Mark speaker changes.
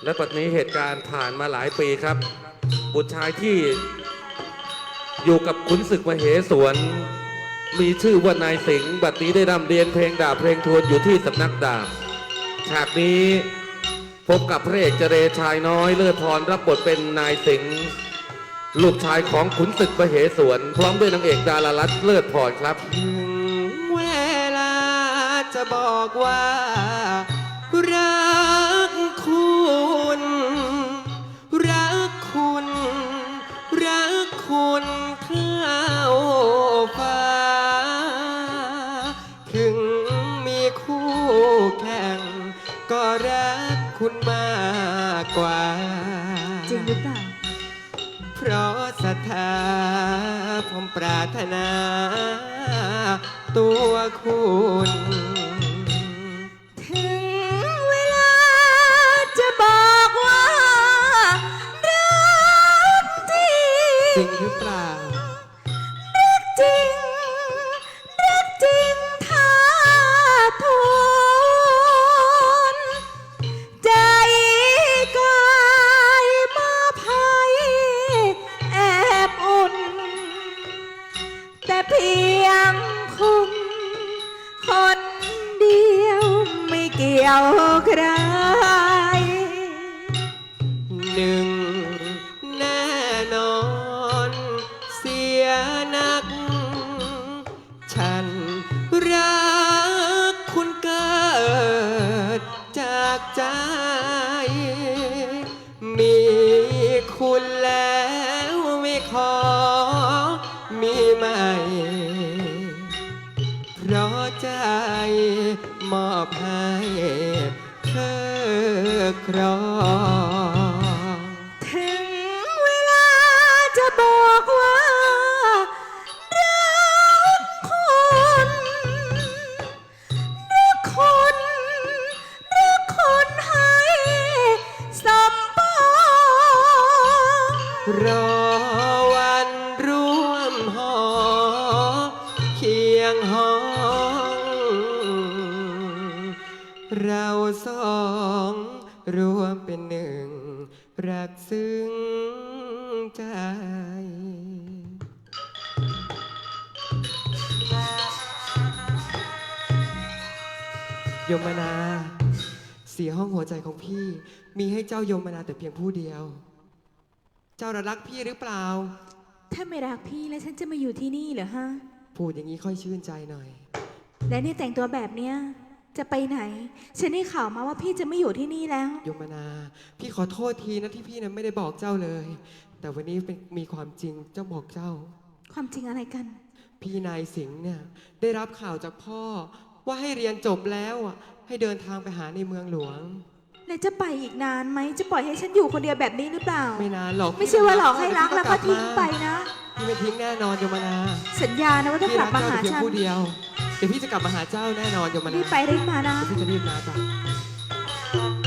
Speaker 1: และปัจจุบันเหตุการณ์ผ่านมาหลายปีครับบุตรชายที่อยู่กับขุนศึกมเหสวนมีชื่อว่านายสิงห์บัดนี้ได้ร่ำเรียนเพลงดาบเพลงทวนอยู่ที่สำนักดาบฉากนี้พบกับพระเอกเจเรชายน้อยเลิศพรรับบทเป็นนายสิงห์ลูกชายของขุนศึกมเหสวนพร้อมด้วยนางเอกดารารัตน์เลิศพรครับ
Speaker 2: ถึงเวลาจะบอกว่ารักคุณรักคุณรักคุณเข้าฟ้าถึงมีคู่แข่งก็รักคุณมากกว่า
Speaker 3: จริงหรือเปล่า
Speaker 2: เพราะศรัทธาผมปรารถนาตัวคุณ
Speaker 3: ถึงเวลาจะบอกว่ารักจริง
Speaker 2: จริงหรือเปล่า
Speaker 3: รักจริงรักจริงท่าทุนใจกายมาภัยแอบอุ่นแต่เพียงคุณคนเดียวไม่เกี่ยวใคร
Speaker 2: หนึ่งแน่นอนเสียนักฉันรักคุณเกิดจากใจมีคุณแล้วไม่ขอมีใหม่เพราะใจมอบให้เธอครอง
Speaker 3: ถึงเวลาจะบอกว่ารักคุณรักคุณรักคุณให้สมปอง
Speaker 2: รอวันร่วมหอเคียงห้องเราสองรวมเป็นหนึ่งรักซึ้งใจยมนา4 ห้องหัวใจของพี่มีให้เจ้ายมนาแต่เพียงผู้เดียวเจ้ารักพี่หรือเปล่า
Speaker 3: ถ้าไม่รักพี่แล้วฉันจะมาอยู่ที่นี่เหรอฮะ
Speaker 2: พูดอย่างนี้ค่อยชื่นใจหน่อย
Speaker 3: และนี่แต่งตัวแบบเนี้ยจะไปไหนฉันได้ข่าวมาว่าพี่จะไม่อยู่ที่นี่แล้ว
Speaker 2: ยมนาพี่ขอโทษทีนะที่พี่นั้นไม่ได้บอกเจ้าเลย แต่วันนี้มีความจริงเจ้าบอกเจ้า
Speaker 3: ความจริงอะไรกัน
Speaker 2: พี่นายสิงห์เนี่ยได้รับข่าวจากพ่อว่าให้เรียนจบแล้วให้เดินทางไปหาในเมืองหลวง
Speaker 3: แล้วจะไปอีกนานไหมจะปล่อยให้ฉันอยู่คนเดียวแบบนี้หรือเปล่า
Speaker 2: ไม่นานหรอก
Speaker 3: ไม่ใช่ว่าหลอกให้รักแล้วก็ทิ้งไปนะ
Speaker 2: พี่ไม่ทิ้งแน่นอนยมนา
Speaker 3: สัญญานะว่าถ้ากลับมาหาฉัน
Speaker 2: ผู้เดียวเดี๋ยวพี่จะกลับมาหาเจ้าแน่นอนยมนา
Speaker 3: รีบไปรีบมานะ
Speaker 2: พี่จะรีบมาจ้ะ